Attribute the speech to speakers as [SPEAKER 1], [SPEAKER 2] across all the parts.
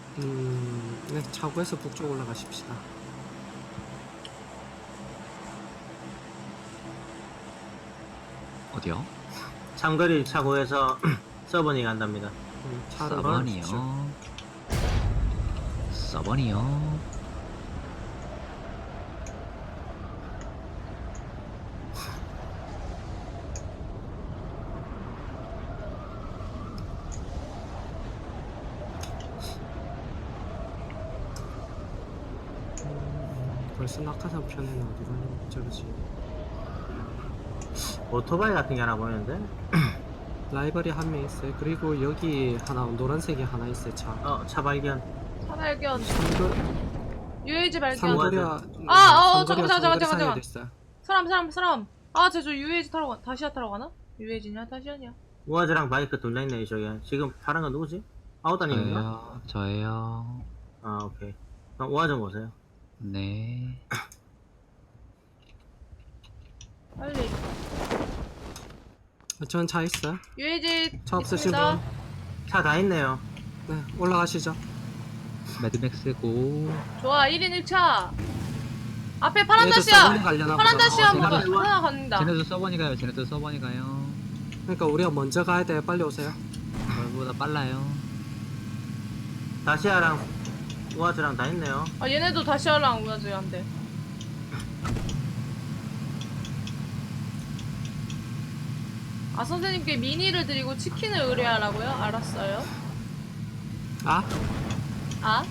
[SPEAKER 1] 네, 차고에서 북쪽 올라가십시다.
[SPEAKER 2] 어디요?
[SPEAKER 3] 참거리 차고에서 서버니 간답니다.
[SPEAKER 1] 차를 걸으십시오.
[SPEAKER 2] 서버니요.
[SPEAKER 1] 벌써 낙하산 편에는 어디 가는 저러지?
[SPEAKER 3] 오토바이 같은 게 하나 보이는데?
[SPEAKER 1] 라이벌이 한 명 있어요. 그리고 여기 하나 노란색이 하나 있어요. 차.
[SPEAKER 3] 차 발견.
[SPEAKER 4] 차발견.
[SPEAKER 1] 삼거
[SPEAKER 4] UAG 발견.
[SPEAKER 1] 삼거리와
[SPEAKER 4] 잠깐만.
[SPEAKER 1] 됐어요.
[SPEAKER 4] 사람. 아, 저 UAG 타러 다시아 타러 가나? UAG냐? 다시아냐?
[SPEAKER 3] 우아즈랑 바이크 둘 다 있네, 저기. 지금 파란 건 누구지? 아우다님인가?
[SPEAKER 2] 저예요.
[SPEAKER 3] 아, 오케이. 그럼 우아즈 보세요.
[SPEAKER 2] 네.
[SPEAKER 4] 빨리.
[SPEAKER 1] 전 차 있어요.
[SPEAKER 4] UAG
[SPEAKER 1] 차 없으신
[SPEAKER 4] 있습니다.
[SPEAKER 1] 분?
[SPEAKER 3] 차 다 있네요.
[SPEAKER 1] 네, 올라가시죠.
[SPEAKER 2] 매드맥스고.
[SPEAKER 4] 좋아, 1인 1차. 앞에 파란
[SPEAKER 1] 얘도
[SPEAKER 4] 다시아.
[SPEAKER 1] 서버니 가려나
[SPEAKER 4] 파란
[SPEAKER 1] 보다.
[SPEAKER 4] 다시아
[SPEAKER 3] 쟤네도
[SPEAKER 4] 하나 갑니다.
[SPEAKER 2] 쟤네도 서버니 가요. 쟤네도 서버니 가요.
[SPEAKER 1] 그러니까 우리가 먼저 가야 돼요. 빨리 오세요.
[SPEAKER 2] 저보다 빨라요.
[SPEAKER 3] 다시아랑 우아즈랑 다 있네요.
[SPEAKER 4] 아, 얘네도 다시아랑 우야지 한대. 아, 선생님께 미니를 드리고 치킨을 의뢰하라고요? 알았어요.
[SPEAKER 1] 아?
[SPEAKER 4] 아?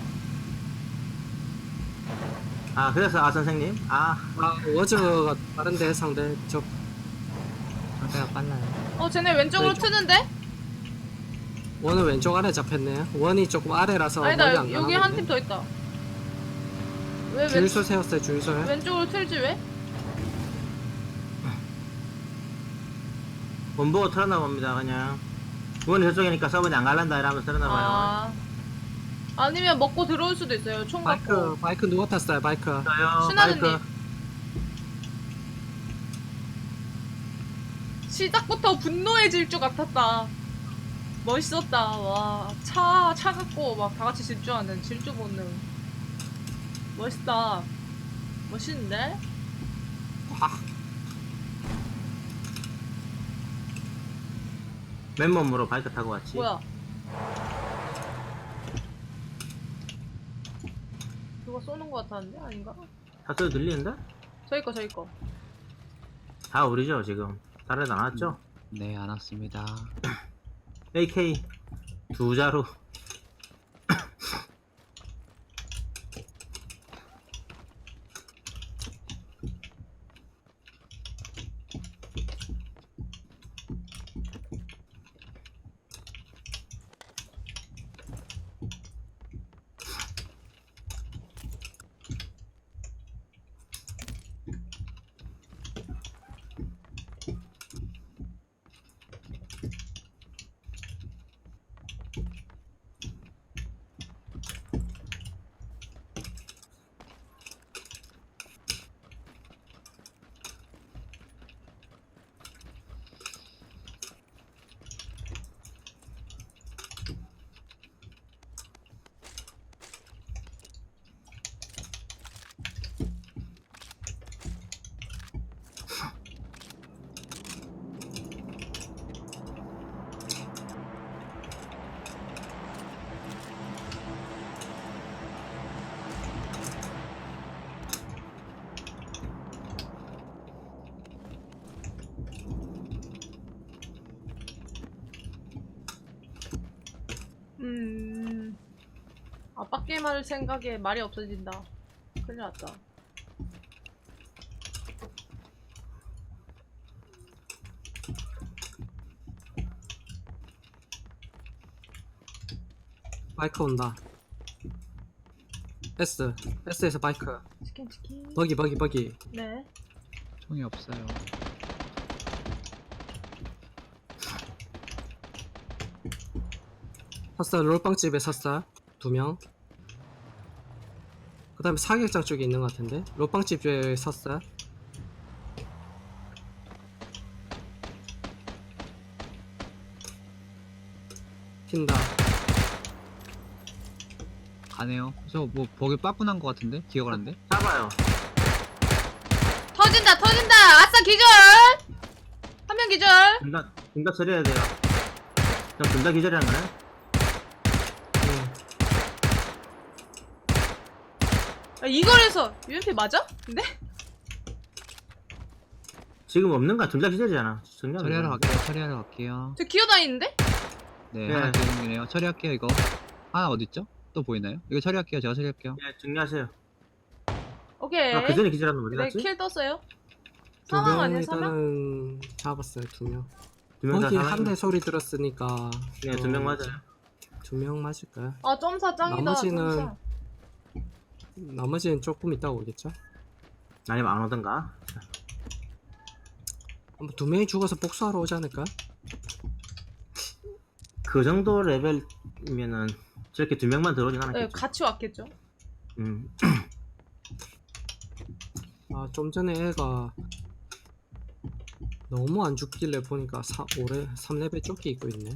[SPEAKER 3] 아, 그래서 선생님?
[SPEAKER 1] 워즈가 다른데 상대 저
[SPEAKER 2] 상대가 빨라요.
[SPEAKER 4] 쟤네 왼쪽으로
[SPEAKER 1] 왼쪽.
[SPEAKER 4] 트는데?
[SPEAKER 1] 원은 왼쪽 아래 잡혔네요. 원이 조금 아래라서
[SPEAKER 4] 아니다,
[SPEAKER 1] 멀리 안
[SPEAKER 4] 여기 한 팀 더 있다. 왜
[SPEAKER 1] 주유소 세웠어요. 주유소에.
[SPEAKER 4] 왼쪽으로 틀지 왜?
[SPEAKER 3] 본보고 틀었나 봅니다, 그냥. 우원이 저쪽이니까 서버니 안 갈란다 이러면서 틀었나 봐요.
[SPEAKER 4] 아. 아니면 먹고 들어올 수도 있어요. 총 갖고.
[SPEAKER 1] 바이크 누가 탔어요? 바이크.
[SPEAKER 3] 저요,
[SPEAKER 4] 신하느님.
[SPEAKER 3] 바이크.
[SPEAKER 4] 시작부터 분노의 질주 같았다. 멋있었다. 와, 차 갖고 막 다 같이 질주하는 질주 본능. 멋있다. 멋있는데?
[SPEAKER 3] 맨몸으로 바이크 타고 왔지.
[SPEAKER 4] 뭐야? 누가 쏘는 거 같았는데? 아닌가?
[SPEAKER 3] 사소리 들리는데?
[SPEAKER 4] 저기 거.
[SPEAKER 3] 다 우리죠, 지금. 다른 애도 안 왔죠?
[SPEAKER 2] 네, 안 왔습니다.
[SPEAKER 3] AK 두 자루.
[SPEAKER 4] 아빠 게임 할 생각에 말이 없어진다. 큰일 났다.
[SPEAKER 1] 바이크 온다. S에서 바이크.
[SPEAKER 4] 치킨.
[SPEAKER 1] 버기.
[SPEAKER 4] 네.
[SPEAKER 2] 총이 없어요.
[SPEAKER 1] 샀어. 롤빵집에 샀어. 2명. 그 다음에 사격장 쪽에 있는 것 같은데. 롤빵집에 샀어. 튄다.
[SPEAKER 2] 가네요. 저 뭐 버기 빠꾸난 것 같은데? 기어가 는데?
[SPEAKER 3] 잡아요.
[SPEAKER 4] 터진다 터진다. 아싸 기절. 한 명 기절.
[SPEAKER 3] 둘다 처리해야 돼요. 그럼 둘다 기절이라는 거네?
[SPEAKER 4] 아, 이거에서 UMP 맞아? 근데?
[SPEAKER 3] 지금 없는 거야. 둘 다 기절이잖아.
[SPEAKER 2] 처리하러 갈게요. 처리하러 갈게요.
[SPEAKER 4] 저 기어다니는데?
[SPEAKER 2] 네,
[SPEAKER 3] 네.
[SPEAKER 2] 하나 기어있네요. 처리할게요, 이거. 하나 어딨죠? 또 보이나요? 이거 처리할게요. 제가 처리할게요.
[SPEAKER 3] 예, 정리하세요.
[SPEAKER 4] 오케이.
[SPEAKER 3] 아, 그 전에 기절하는 거 어디
[SPEAKER 4] 네,
[SPEAKER 3] 갔지?
[SPEAKER 4] 킬 떴어요.
[SPEAKER 1] 두
[SPEAKER 4] 사망
[SPEAKER 1] 명
[SPEAKER 4] 아니야, 사망?
[SPEAKER 1] 일단은 잡았어요. 2명.
[SPEAKER 3] 두 명 다
[SPEAKER 1] 거기
[SPEAKER 3] 사망.
[SPEAKER 1] 한 대 소리 들었으니까.
[SPEAKER 3] 네, 2명 맞아요.
[SPEAKER 1] 2명 맞을까요?
[SPEAKER 4] 아, 점사 짱이다.
[SPEAKER 1] 나머지는-
[SPEAKER 4] 점사.
[SPEAKER 1] 나머지는 조금 있다 오겠죠?
[SPEAKER 3] 아니면 안 오던가?
[SPEAKER 1] 한번 2명이 죽어서 복수하러 오지 않을까?
[SPEAKER 3] 그 정도 레벨이면은 저렇게 2명만 들어오진
[SPEAKER 4] 네,
[SPEAKER 3] 않았겠죠.
[SPEAKER 4] 같이 왔겠죠.
[SPEAKER 1] 아, 좀 전에 애가 너무 안 죽길래 보니까 올해 3레벨 조끼 입고 있네.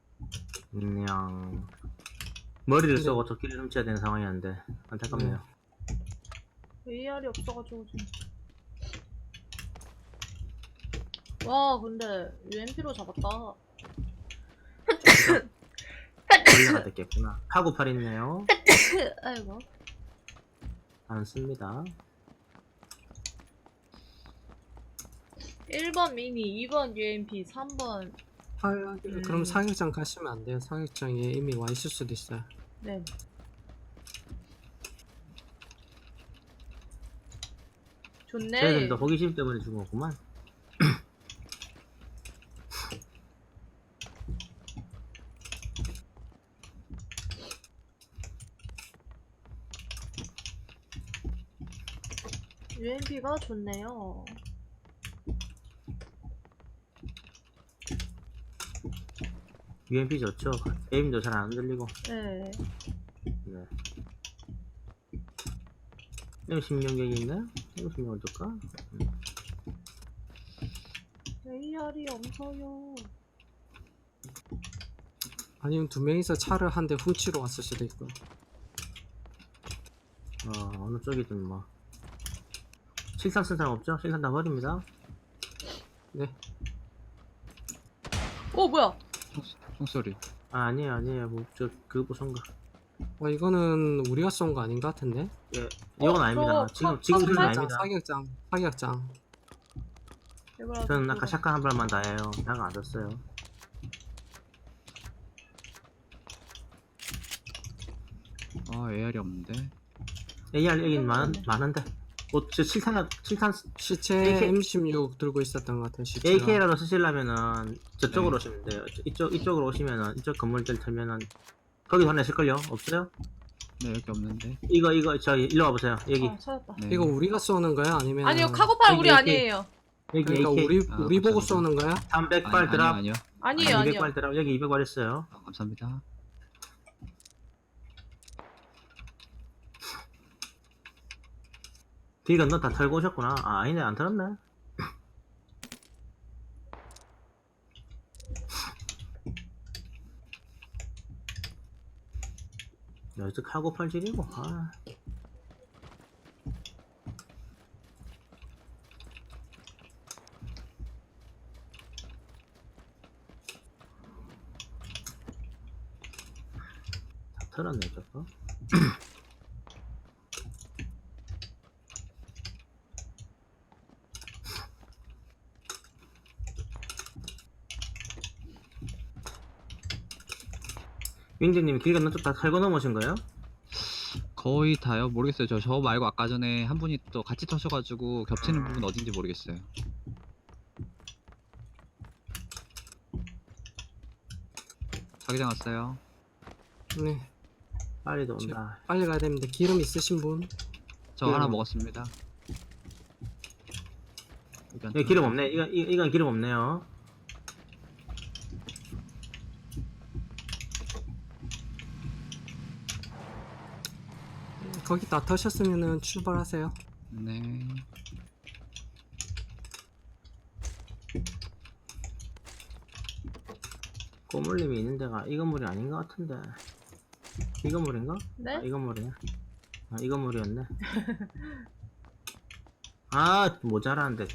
[SPEAKER 3] 그냥 머리를
[SPEAKER 1] 근데-
[SPEAKER 3] 쏘고 조끼를 훔쳐야 되는 상황이었는데 안타깝네요.
[SPEAKER 4] AR이 없어가지고 지금. 와, 근데 UMP로 잡았다.
[SPEAKER 3] 걸려가 됐겠구나. 카고팔 있네요.
[SPEAKER 4] 아이고.
[SPEAKER 3] 안 씁니다.
[SPEAKER 4] 1번 미니, 2번 UMP, 3번.
[SPEAKER 1] 그럼 사격장 가시면 안 돼요. 사격장에 이미 와 있을 수도 있어요.
[SPEAKER 4] 네. 좋네.
[SPEAKER 3] 쟤들도 호기심 때문에 죽은 거구만.
[SPEAKER 4] UMP가 좋네요.
[SPEAKER 3] UMP 좋죠. 에임도 잘 안 들리고.
[SPEAKER 4] 네.
[SPEAKER 3] 네. M16이 있나요? M16 어떨까?
[SPEAKER 4] AR이 없어요.
[SPEAKER 1] 아니면 2명이서 차를 한 대 훔치러 왔을 수도 있고.
[SPEAKER 3] 어느 쪽이든 뭐. 실탄 쓴 사람 없죠? 실탄 다 버립니다.
[SPEAKER 1] 네.
[SPEAKER 4] 뭐야?
[SPEAKER 2] 총소리.
[SPEAKER 3] 아, 아니에요. 뭐, 그거 쏜 거.
[SPEAKER 1] 이거는 우리가 쏜 거 아닌 것 같은데?
[SPEAKER 3] 예, 이건 아닙니다. 지금 그건 아닙니다.
[SPEAKER 1] 사격장.
[SPEAKER 3] 저는 아까 샷건 한 발만 다 해요. 나가 안 떴어요.
[SPEAKER 2] AR이 없는데.
[SPEAKER 3] AR 여긴 많은데. 저 칠탄,
[SPEAKER 1] 시체
[SPEAKER 3] AK
[SPEAKER 1] M16 들고 있었던 것 같아요. 시체가.
[SPEAKER 3] AK라도 쓰시려면은 저쪽으로
[SPEAKER 2] 네.
[SPEAKER 3] 오시면 돼요. 이쪽으로 오시면은, 이쪽 건물들 털면은, 거기 하나 있을걸요? 없어요?
[SPEAKER 2] 네, 여기 없는데.
[SPEAKER 3] 이거, 일로 와보세요. 여기.
[SPEAKER 4] 찾았다.
[SPEAKER 2] 네.
[SPEAKER 1] 이거 우리가 쏘는 거야? 아니면
[SPEAKER 4] 아니요, 카고팔
[SPEAKER 3] 여기
[SPEAKER 4] 우리
[SPEAKER 3] AK.
[SPEAKER 4] 아니에요.
[SPEAKER 3] 여기
[SPEAKER 1] 그러니까
[SPEAKER 3] AK.
[SPEAKER 1] 우리 보고
[SPEAKER 2] 감사합니다.
[SPEAKER 1] 쏘는 거야?
[SPEAKER 3] 300발 드랍.
[SPEAKER 2] 아니요.
[SPEAKER 4] 아니에요, 아니요.
[SPEAKER 3] 200발 드랍. 여기 200발 있어요.
[SPEAKER 2] 감사합니다.
[SPEAKER 3] 길 건너 다 털고 오셨구나. 아니네, 안 털었네. 여기서 카고 팔질이고, 아. 다 털었네, 저거. 윙드님 길 건너 쪽 다 털고 넘으신 거예요?
[SPEAKER 2] 거의 다요. 모르겠어요. 저 말고 아까 전에 한 분이 또 같이 터셔가지고 겹치는 부분 어딘지 모르겠어요. 자기장 왔어요.
[SPEAKER 1] 네.
[SPEAKER 3] 빨리 온다.
[SPEAKER 1] 빨리 가야 됩니다. 기름 있으신 분?
[SPEAKER 2] 저 하나 먹었습니다.
[SPEAKER 3] 여기 기름 없네. 이건 기름 없네요.
[SPEAKER 1] 거기 다 터셨으면은 출발하세요.
[SPEAKER 2] 네.
[SPEAKER 3] 꼬물림이 있는 데가 이 건물이 아닌 것 같은데. 이 건물인가?
[SPEAKER 4] 네?
[SPEAKER 3] 아, 이 건물이야. 아, 이 건물이었네. 아, 모자라는데.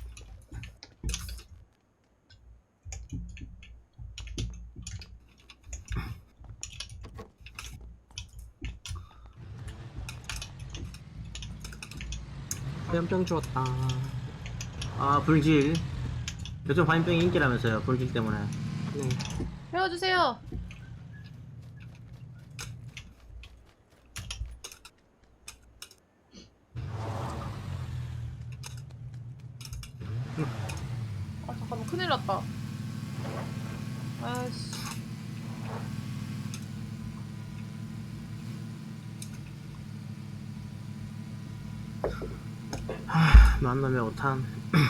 [SPEAKER 1] 화염병 주었다.
[SPEAKER 3] 아, 불질. 요즘 화염병이 인기라면서요, 불질 때문에.
[SPEAKER 1] 네.
[SPEAKER 4] 태워주세요. 아 잠깐만 큰일 났다. 아이씨.
[SPEAKER 3] 만남의 오탄.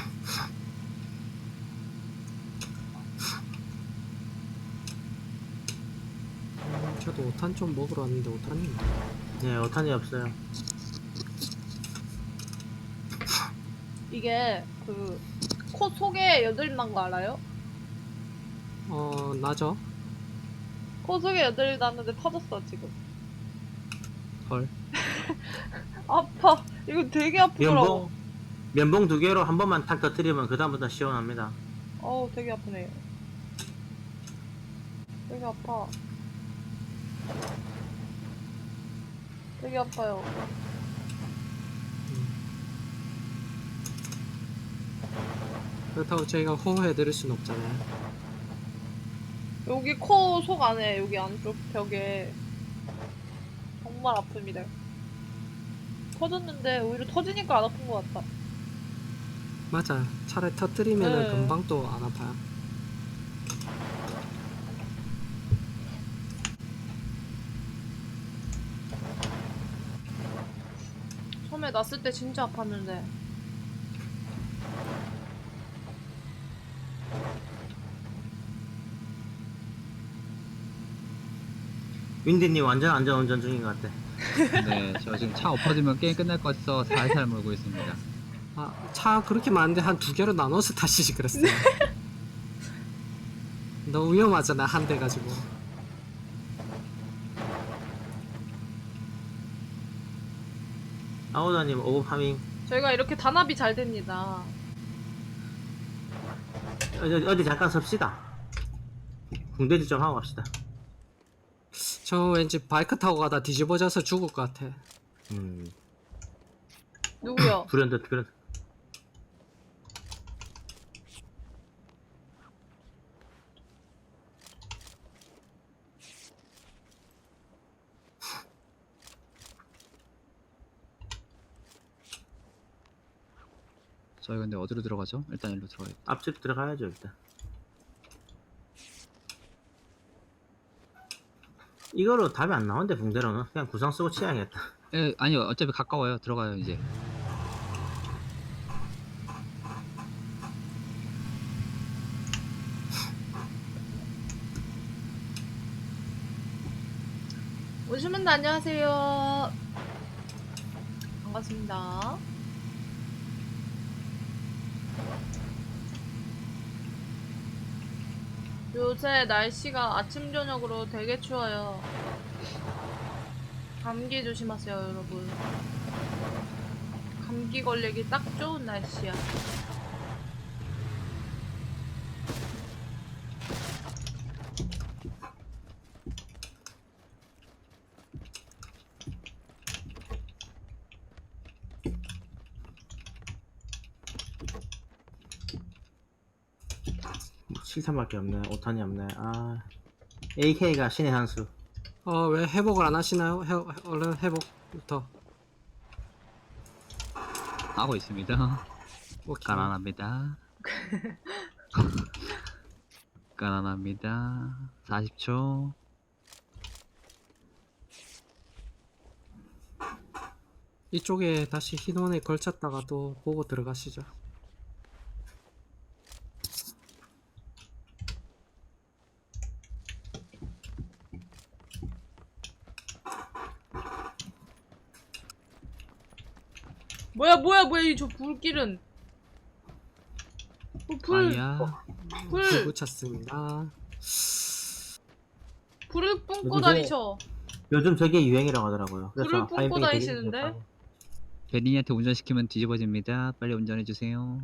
[SPEAKER 1] 저도 5탄 좀 먹으러 왔는데 5탄이
[SPEAKER 3] 네, 오탄이 없어요.
[SPEAKER 4] 이게 그 코 속에 여드름 난 거 알아요?
[SPEAKER 1] 나죠?
[SPEAKER 4] 코 속에 여드름 났는데 터졌어 지금.
[SPEAKER 2] 헐.
[SPEAKER 4] 아파. 이거 되게 아프더라고.
[SPEAKER 3] 면봉 2개로 한 번만 탁 터뜨리면 그다음부터 시원합니다.
[SPEAKER 4] 어우 되게 아프네요. 되게 아파. 되게 아파요.
[SPEAKER 1] 그렇다고 저희가 호호해드릴 순 없잖아요.
[SPEAKER 4] 여기 코 속 안에 여기 안쪽 벽에 정말 아픕니다. 터졌는데 오히려 터지니까 안 아픈 것 같다.
[SPEAKER 1] 맞아. 차라리 터뜨리면은
[SPEAKER 4] 네.
[SPEAKER 1] 금방 또 안 아파요.
[SPEAKER 4] 처음에 났을 때 진짜 아팠는데.
[SPEAKER 3] 윈디님 완전 안전운전 중인 것 같아.
[SPEAKER 2] 네, 저 지금 차 엎어지면 게임 끝날 것 같아서 살살 몰고 있습니다.
[SPEAKER 1] 차 그렇게 많은데 한 2개로 나눠서 타시지 그랬어요. 너무 위험하잖아 한 대 가지고.
[SPEAKER 3] 아우다님 오브 파밍.
[SPEAKER 4] 저희가 이렇게 단합이 잘 됩니다.
[SPEAKER 3] 어디 잠깐 섭시다. 궁대지 좀 하고 갑시다.
[SPEAKER 1] 저 왠지 바이크 타고 가다 뒤집어져서 죽을 것 같아.
[SPEAKER 4] 누구요?
[SPEAKER 3] 불현듯.
[SPEAKER 2] 저희 근데 어디로 들어가죠? 일단 일로 들어가야겠다.
[SPEAKER 3] 앞집 들어가야죠 일단. 이거로 답이 안 나오는데 붕대로는 그냥 구상 쓰고 치야겠다.
[SPEAKER 2] 예, 아니요. 어차피 가까워요. 들어가요, 이제.
[SPEAKER 4] 오시면도 안녕하세요. 반갑습니다. 요새 날씨가 아침 저녁으로 되게 추워요. 감기 조심하세요, 여러분. 감기 걸리기 딱 좋은 날씨야.
[SPEAKER 3] 뭐 7탄밖에 없네. 5탄이 없네. 아, AK가 신의 한 수.
[SPEAKER 1] 왜 회복을 안 하시나요? 얼른 회복부터.
[SPEAKER 2] 하고 있습니다.
[SPEAKER 1] 오케이.
[SPEAKER 2] 가난합니다. 가난합니다. 40초.
[SPEAKER 1] 이쪽에 다시 흰원에 걸쳤다가 또 보고 들어가시죠.
[SPEAKER 4] 뭐야, 이 저 불길은. 불
[SPEAKER 2] 아야.
[SPEAKER 1] 불 붙였습니다.
[SPEAKER 4] 불을 뿜고
[SPEAKER 3] 누구세요?
[SPEAKER 4] 다니셔.
[SPEAKER 3] 요즘 저게 유행이라고 하더라고요.
[SPEAKER 4] 불을
[SPEAKER 3] 그래서
[SPEAKER 4] 뿜고
[SPEAKER 3] 화염병이 되게
[SPEAKER 4] 다니시는데?
[SPEAKER 3] 좋다고.
[SPEAKER 2] 베린이한테 운전시키면 뒤집어집니다. 빨리 운전해주세요.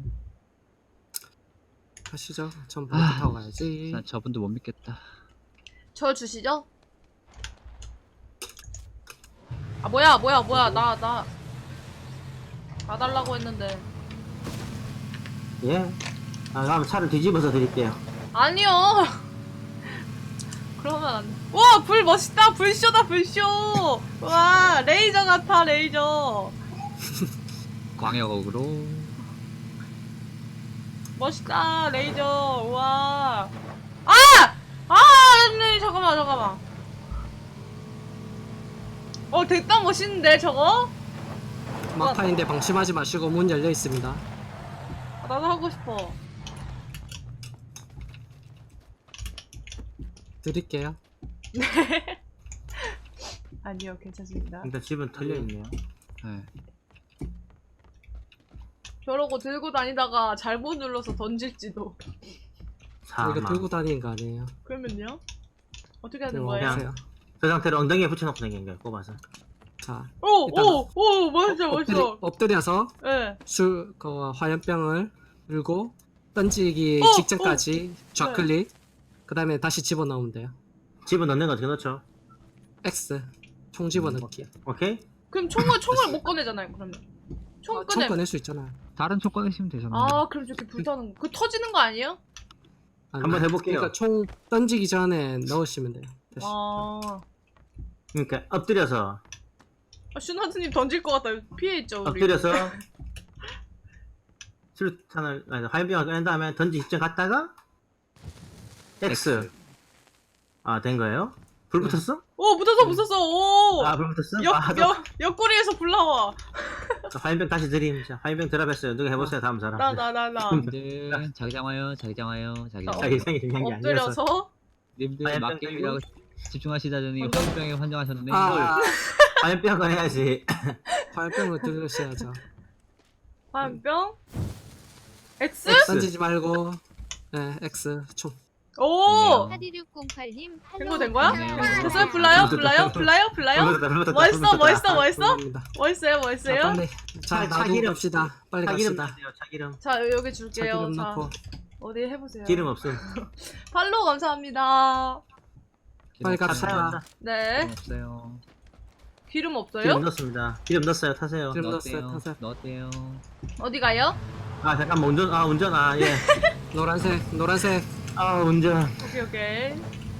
[SPEAKER 1] 가시죠. 전 바이크 타고 가야지.
[SPEAKER 2] 난 저분도 못 믿겠다.
[SPEAKER 4] 저 주시죠? 아 뭐야 나 달라고 했는데.
[SPEAKER 3] 예? 아, 그럼 차를 뒤집어서 드릴게요.
[SPEAKER 4] 아니요. 그러면 안 돼. 와, 불 멋있다. 불쇼다, 불쇼. 와, 레이저 같아, 레이저.
[SPEAKER 2] 광역으로.
[SPEAKER 4] 멋있다, 레이저. 와. 아! 아, 네, 잠깐만. 됐다, 멋있는데, 저거?
[SPEAKER 1] 막판인데 방심하지 마시고 문 열려 있습니다.
[SPEAKER 4] 아, 나도 하고 싶어.
[SPEAKER 1] 드릴게요.
[SPEAKER 4] 아니요, 괜찮습니다.
[SPEAKER 3] 근데 집은 털려있네요.
[SPEAKER 2] 네.
[SPEAKER 4] 저러고 들고 다니다가 잘못 눌러서 던질지도.
[SPEAKER 3] 사망.
[SPEAKER 1] 이거 들고 다니는 거 아니에요?
[SPEAKER 4] 그러면요? 어떻게 하는
[SPEAKER 1] 그냥
[SPEAKER 4] 거예요?
[SPEAKER 1] 와보세요.
[SPEAKER 3] 그 상태로 엉덩이에 붙여놓고 다니는 거예요, 꼽아서.
[SPEAKER 1] 자,
[SPEAKER 4] 오, 멋있어.
[SPEAKER 1] 엎드려서
[SPEAKER 4] 예.
[SPEAKER 1] 그 화염병을 들고 던지기 직전까지 좌클릭. 그 다음에 다시 집어넣으면 돼요.
[SPEAKER 3] 집어넣는 거 어떻게 넣죠?
[SPEAKER 1] X. 총 집어넣기.
[SPEAKER 3] 오케이?
[SPEAKER 4] 그럼 총을 못 꺼내잖아요, 그러면. 총
[SPEAKER 1] 총
[SPEAKER 4] 꺼내.
[SPEAKER 1] 꺼낼 수 있잖아요.
[SPEAKER 2] 다른 총 꺼내시면 되잖아요.
[SPEAKER 4] 아, 그럼 저렇게 불타는 거. 그 터지는 거 아니에요?
[SPEAKER 1] 아니,
[SPEAKER 3] 한번 해볼게요.
[SPEAKER 1] 그러니까 총 던지기 전에 넣으시면 돼요. 다시.
[SPEAKER 4] 아,
[SPEAKER 3] 그러니까 엎드려서
[SPEAKER 4] 슈나트님 던질 것 같다. 피해있죠, 우리.
[SPEAKER 3] 엎드려서 수류탄을 아니, 화염병을 꺼낸 다음에 던지 직전 갔다가 X. 아, 된 거예요? 불 붙었어?
[SPEAKER 4] 오, 붙었어. 오.
[SPEAKER 3] 아, 불 붙었어?
[SPEAKER 4] 옆구리에서 불 나와.
[SPEAKER 3] 화염병 다시 드림. 자, 화염병 드랍했어요. 누가 해보세요, 다음 사람.
[SPEAKER 4] 나.
[SPEAKER 2] 님들 자기장 와요. 자기장 와요. 자기장 와요.
[SPEAKER 3] 자기 생일 중요한 게 아니라서.
[SPEAKER 4] 엎드려서.
[SPEAKER 2] 님들
[SPEAKER 3] 화염병
[SPEAKER 2] 막게임이라고 집중하시다더니 화염병에 환장하셨네.
[SPEAKER 3] 화염병을 해야지.
[SPEAKER 1] 화염병을 들으셔야죠.
[SPEAKER 4] 화염병. X?
[SPEAKER 1] 던지지 말고. 네, X. 총.
[SPEAKER 4] 오.
[SPEAKER 2] 됐네요.
[SPEAKER 5] 4608님
[SPEAKER 4] 된 거야?
[SPEAKER 2] 됐네요.
[SPEAKER 4] 됐어요? 불나요? 멋있어? 멋있어요?
[SPEAKER 1] 자, 빨리. 자, 나도
[SPEAKER 3] 차기름.
[SPEAKER 1] 갑시다. 빨리
[SPEAKER 3] 차기름
[SPEAKER 1] 갑시다.
[SPEAKER 3] 넣으세요, 차기름.
[SPEAKER 4] 자, 여기 줄게요.
[SPEAKER 1] 차기름
[SPEAKER 4] 자,
[SPEAKER 1] 넣고.
[SPEAKER 4] 어디 해보세요.
[SPEAKER 3] 기름 없음.
[SPEAKER 4] 팔로우 감사합니다.
[SPEAKER 1] 빨리
[SPEAKER 2] 기름
[SPEAKER 1] 갑시다.
[SPEAKER 2] 없어요.
[SPEAKER 4] 네.
[SPEAKER 2] 기름 없어요.
[SPEAKER 4] 기름
[SPEAKER 3] 기름
[SPEAKER 4] 없어요?
[SPEAKER 3] 넣었습니다. 기름 넣었어요, 타세요.
[SPEAKER 1] 기름
[SPEAKER 2] 넣었대요.
[SPEAKER 1] 넣었어요, 타세요.
[SPEAKER 2] 넣었대요.
[SPEAKER 4] 어디 가요?
[SPEAKER 3] 아, 잠깐만, 운전, 예.
[SPEAKER 1] 노란색.
[SPEAKER 3] 아, 운전.
[SPEAKER 4] 오케이.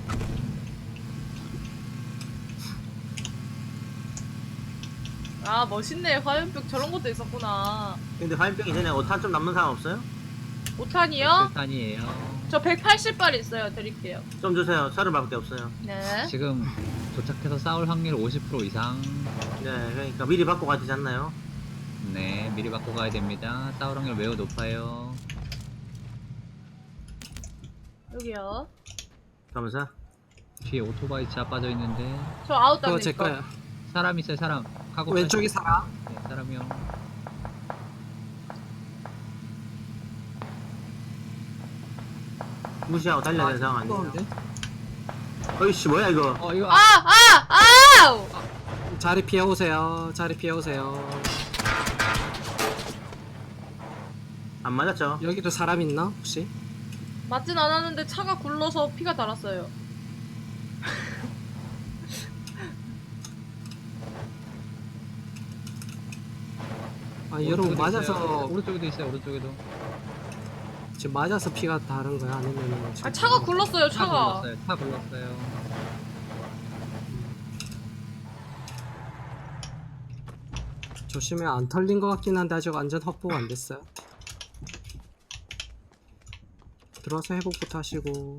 [SPEAKER 4] 아, 멋있네. 화염병 저런 것도 있었구나.
[SPEAKER 3] 근데 화염병 이전에 5탄 좀 남는 사람 없어요?
[SPEAKER 4] 5탄이요?
[SPEAKER 2] 탄이에요.
[SPEAKER 4] 저 180발 있어요. 드릴게요.
[SPEAKER 3] 좀 주세요. 30발밖에 없어요.
[SPEAKER 4] 네.
[SPEAKER 2] 지금 도착해서 싸울 확률 50% 이상.
[SPEAKER 3] 네, 그러니까 미리 받고 가지 않나요?
[SPEAKER 2] 네, 미리 바꿔 가야 됩니다. 싸울 확률 매우 높아요.
[SPEAKER 4] 여기요.
[SPEAKER 3] 가면서.
[SPEAKER 2] 뒤에 오토바이 차 빠져 있는데
[SPEAKER 4] 저 아웃
[SPEAKER 1] 그거 제
[SPEAKER 4] 당니까.
[SPEAKER 1] 거예요.
[SPEAKER 2] 사람 있어요, 사람. 카고
[SPEAKER 1] 왼쪽이
[SPEAKER 2] 타죠.
[SPEAKER 1] 사람.
[SPEAKER 2] 네, 사람이요.
[SPEAKER 3] 무시하고 달려야 되는 상황 아니에요?
[SPEAKER 1] 뜨거운데?
[SPEAKER 3] 어이씨, 뭐야, 이거.
[SPEAKER 2] 이거
[SPEAKER 4] 아우!
[SPEAKER 1] 자리 피해 오세요.
[SPEAKER 3] 안 맞았죠?
[SPEAKER 1] 여기도 사람 있나 혹시?
[SPEAKER 4] 맞진 않았는데 차가 굴러서 피가 달았어요.
[SPEAKER 1] 아, 여러분
[SPEAKER 2] 오른쪽에도
[SPEAKER 1] 맞아서
[SPEAKER 2] 있어요. 오른쪽에도 있어요, 오른쪽에도.
[SPEAKER 1] 지금 맞아서 피가 다른 거야 아니면
[SPEAKER 4] 아, 차가 굴렀어요,
[SPEAKER 2] 차
[SPEAKER 4] 차가.
[SPEAKER 2] 굴렀어요, 차 굴렀어요.
[SPEAKER 1] 조심해 안 털린 것 같긴 한데 아직 완전 확보가 안 됐어요. 들어와서 회복부터 하시고.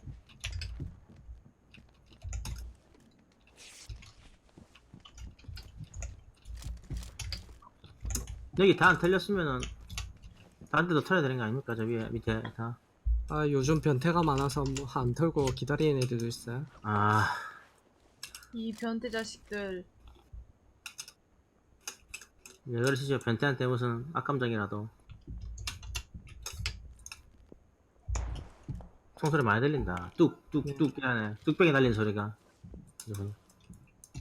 [SPEAKER 3] 여기 다 안 털렸으면은 다른 데도 털어야 되는 거 아닙니까? 저 위에 밑에 다.
[SPEAKER 1] 아, 요즘 변태가 많아서 뭐 안 털고 기다리는 애들도 있어요.
[SPEAKER 3] 아,
[SPEAKER 4] 이 변태 자식들.
[SPEAKER 3] 왜 그러시죠? 변태한테 무슨 악감정이라도. 총소리 많이 들린다. 뚝뚝뚝 하네. 뚝배기 날린 소리가.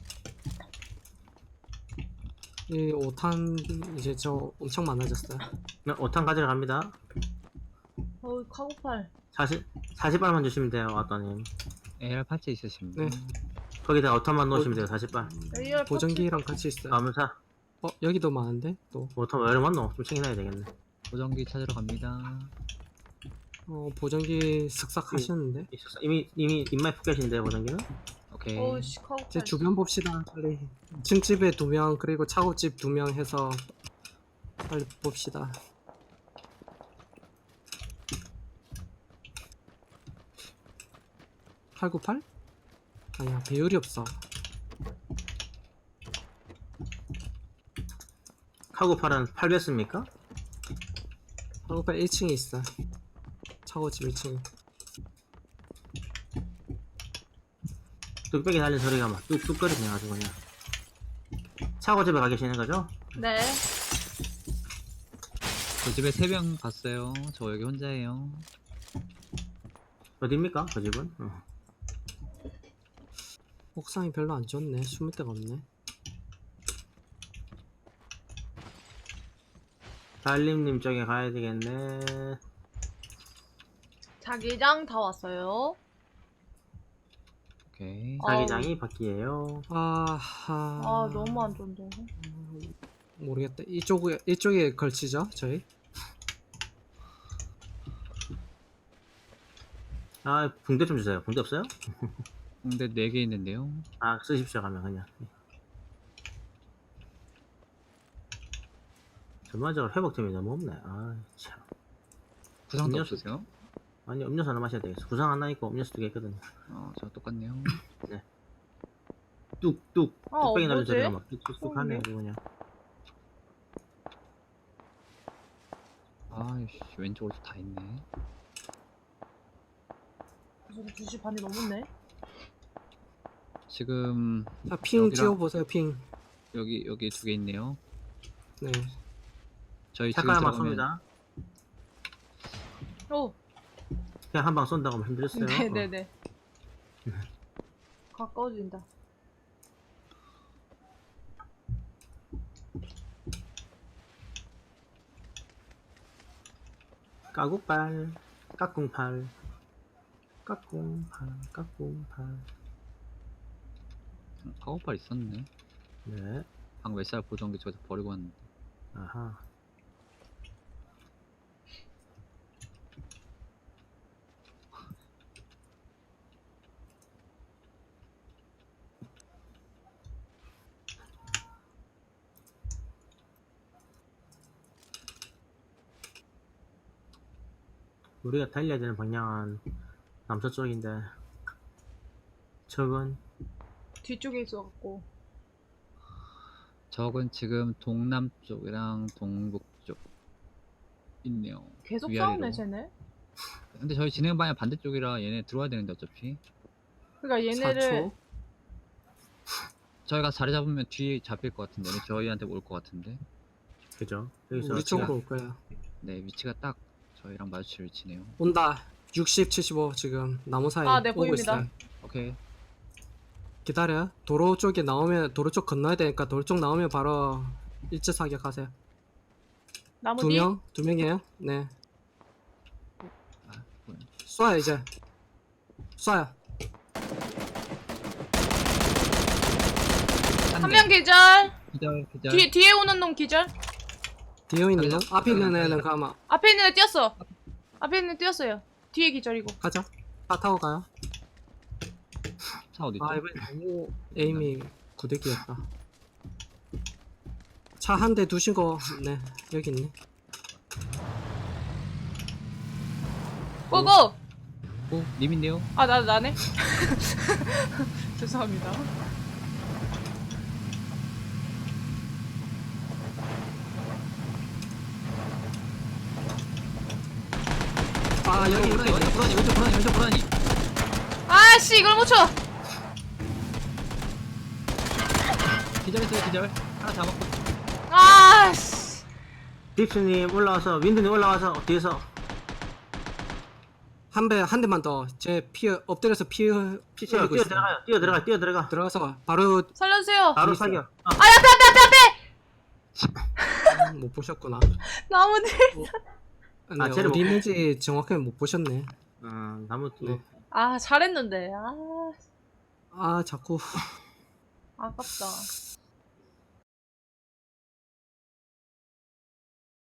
[SPEAKER 1] 이 5탄 이제 저 엄청 많아졌어요.
[SPEAKER 3] 네, 5탄 가지러 갑니다.
[SPEAKER 4] 카고팔.
[SPEAKER 3] 40발만 주시면 돼요, 아따님.
[SPEAKER 2] AR 파츠 있으십니다.
[SPEAKER 1] 네.
[SPEAKER 3] 거기다 5탄만 넣으시면 돼요, 40발.
[SPEAKER 4] AR
[SPEAKER 1] 보정기랑 같이 있어요.
[SPEAKER 3] 감사.
[SPEAKER 1] 여기도 많은데 또
[SPEAKER 3] 5탄 왜 이러면 넣어? 좀 챙겨놔야 되겠네.
[SPEAKER 2] 보정기 찾으러 갑니다.
[SPEAKER 1] 보정기 슥싹 하시는데
[SPEAKER 3] 있었어. 이미 입맛 푹 계신데, 보정기는?
[SPEAKER 2] 오케이.
[SPEAKER 4] 어우씨 카고팔.
[SPEAKER 1] 이제 주변 봅시다. 빨리 층집에 2명 그리고 차고집 2명 해서 빨리 봅시다. (898) 아니야 배율이 없어.
[SPEAKER 3] 카고팔은 8배습니까?
[SPEAKER 1] (898) 1층에 있어. 차고집 1층.
[SPEAKER 3] 뚝배기 달린 소리가 막 뚝뚝거리네 아주 그냥. 차고집에 가 계시는 거죠?
[SPEAKER 4] 네.
[SPEAKER 2] 저 집에 3명 갔어요. 저 여기 혼자예요.
[SPEAKER 3] 어딥니까? 그 집은?
[SPEAKER 1] 옥상이 별로 안 좋네. 숨을 데가 없네.
[SPEAKER 3] 달림님 쪽에 가야 되겠네.
[SPEAKER 4] 자기장 다 왔어요.
[SPEAKER 2] 오케이.
[SPEAKER 3] 자기장이 바퀴예요.
[SPEAKER 4] 아 너무 안 좋은데.
[SPEAKER 1] 모르겠다. 이쪽에 걸치죠 저희.
[SPEAKER 3] 아, 붕대 좀 주세요. 붕대 없어요?
[SPEAKER 2] 근데 4개 있는데요.
[SPEAKER 3] 아, 쓰십시오 가면 그냥. 전반적으로 회복템이 너무 없네. 아, 참.
[SPEAKER 2] 구상도
[SPEAKER 3] 음료수.
[SPEAKER 2] 없으세요?
[SPEAKER 3] 아니, 음료수 하나 마셔야 되겠어. 구상 하나 있고 음료수 2개 있거든요.
[SPEAKER 2] 저 똑같네요.
[SPEAKER 3] 뚝뚝. 뚝배기 날린
[SPEAKER 4] 뭐지?
[SPEAKER 3] 소리가 막 뚝뚝뚝 하네, 이거 그냥.
[SPEAKER 2] 아이씨, 왼쪽으로 다 있네.
[SPEAKER 4] 지금 2시 반이 넘었네.
[SPEAKER 2] 지금
[SPEAKER 1] 핑
[SPEAKER 2] 여기랑-
[SPEAKER 1] 찍어보세요. 핑.
[SPEAKER 2] 여기 2개 있네요.
[SPEAKER 1] 네.
[SPEAKER 2] 저희 지금
[SPEAKER 3] 색깔만
[SPEAKER 2] 들어가면
[SPEAKER 3] 쏩니다.
[SPEAKER 4] 오.
[SPEAKER 3] 그냥 한 방 쏜다고 하면 힘들었어요.
[SPEAKER 4] 네네네. 가까워진다.
[SPEAKER 3] 까국발, 까꿍팔, 까꿍팔, 까꿍팔.
[SPEAKER 2] 카고팔 있었네.
[SPEAKER 3] 네,
[SPEAKER 2] 방금 SR 보정기 저기서 버리고 왔는데.
[SPEAKER 3] 아하. 우리가 달려야 되는 방향은 남서쪽인데 적은
[SPEAKER 4] 뒤쪽에 있어갖고.
[SPEAKER 2] 적은 지금 동남쪽이랑 동북쪽 있네요.
[SPEAKER 4] 계속
[SPEAKER 2] 위아래로.
[SPEAKER 4] 싸우네 쟤네.
[SPEAKER 2] 근데 저희 진행 방향 반대쪽이라 얘네 들어와야 되는데 어차피
[SPEAKER 4] 그러니까 얘네를
[SPEAKER 1] 4초.
[SPEAKER 2] 저희가 자리 잡으면 뒤에 잡힐 것 같은데 얘네 저희한테 올 것 같은데.
[SPEAKER 3] 그죠? 여기서
[SPEAKER 1] 우리 쪽으로 올 거예요.
[SPEAKER 2] 네, 위치가 딱 저희랑 마주칠 위치네요.
[SPEAKER 1] 온다. 60, 75 지금 나무 사이
[SPEAKER 4] 아, 네,
[SPEAKER 1] 오고
[SPEAKER 4] 보입니다.
[SPEAKER 1] 있어요.
[SPEAKER 2] 오케이.
[SPEAKER 1] 기다려. 도로 쪽에 나오면 도로 쪽 건너야 되니까 도로 쪽 나오면 바로 일제 사격하세요.
[SPEAKER 4] 나무
[SPEAKER 1] 두
[SPEAKER 4] 뒤.
[SPEAKER 1] 명? 2명이에요? 네.
[SPEAKER 2] 아, 뭐야.
[SPEAKER 1] 쏴요 이제. 쏴요.
[SPEAKER 4] 한 명 기절.
[SPEAKER 2] 기절.
[SPEAKER 4] 뒤에 오는 놈 기절.
[SPEAKER 1] 뒤에 있는 거?
[SPEAKER 2] 살려.
[SPEAKER 1] 앞에 있는
[SPEAKER 2] 살려.
[SPEAKER 1] 애는 가마.
[SPEAKER 4] 앞에 있는 애 뛰었어. 앞에 있는 애 뛰었어요. 뒤에 기절이고.
[SPEAKER 1] 가자. 차 타고 가요.
[SPEAKER 2] 차 어디 있죠?
[SPEAKER 1] 아 이번에 너무 에임이 구대기였다. 차 한 대 두신 거, 네 여기 있네.
[SPEAKER 4] 고고.
[SPEAKER 2] 오, 님인데요?
[SPEAKER 4] 아 나네. 죄송합니다.
[SPEAKER 1] 아 여기
[SPEAKER 2] 왼쪽
[SPEAKER 1] 있네.
[SPEAKER 2] 불안이, 왼쪽 불안이.
[SPEAKER 4] 아씨 이걸 못 쳐.
[SPEAKER 2] 기절했어요, 기절. 하나 잡았고.
[SPEAKER 4] 아씨.
[SPEAKER 3] 딥스님 올라와서 윈드님 올라와서 뒤에서
[SPEAKER 1] 한 대만 더. 제 피 엎드려서 피
[SPEAKER 3] 피치어
[SPEAKER 1] 흘리고
[SPEAKER 3] 뛰어
[SPEAKER 1] 있어요.
[SPEAKER 3] 들어가요. 뛰어 들어가.
[SPEAKER 1] 들어가서 바로
[SPEAKER 4] 살려주세요.
[SPEAKER 3] 바로
[SPEAKER 1] 있어요.
[SPEAKER 3] 사격.
[SPEAKER 4] 아 앞에.
[SPEAKER 1] 못 보셨구나.
[SPEAKER 4] 나머지.
[SPEAKER 1] 네,
[SPEAKER 3] 쟤를
[SPEAKER 1] 어디
[SPEAKER 3] 못
[SPEAKER 1] 있는지 정확하게 못 보셨네.
[SPEAKER 3] 나무
[SPEAKER 1] 네.
[SPEAKER 4] 아, 잘했는데. 아,
[SPEAKER 1] 아 자꾸
[SPEAKER 4] 아깝다.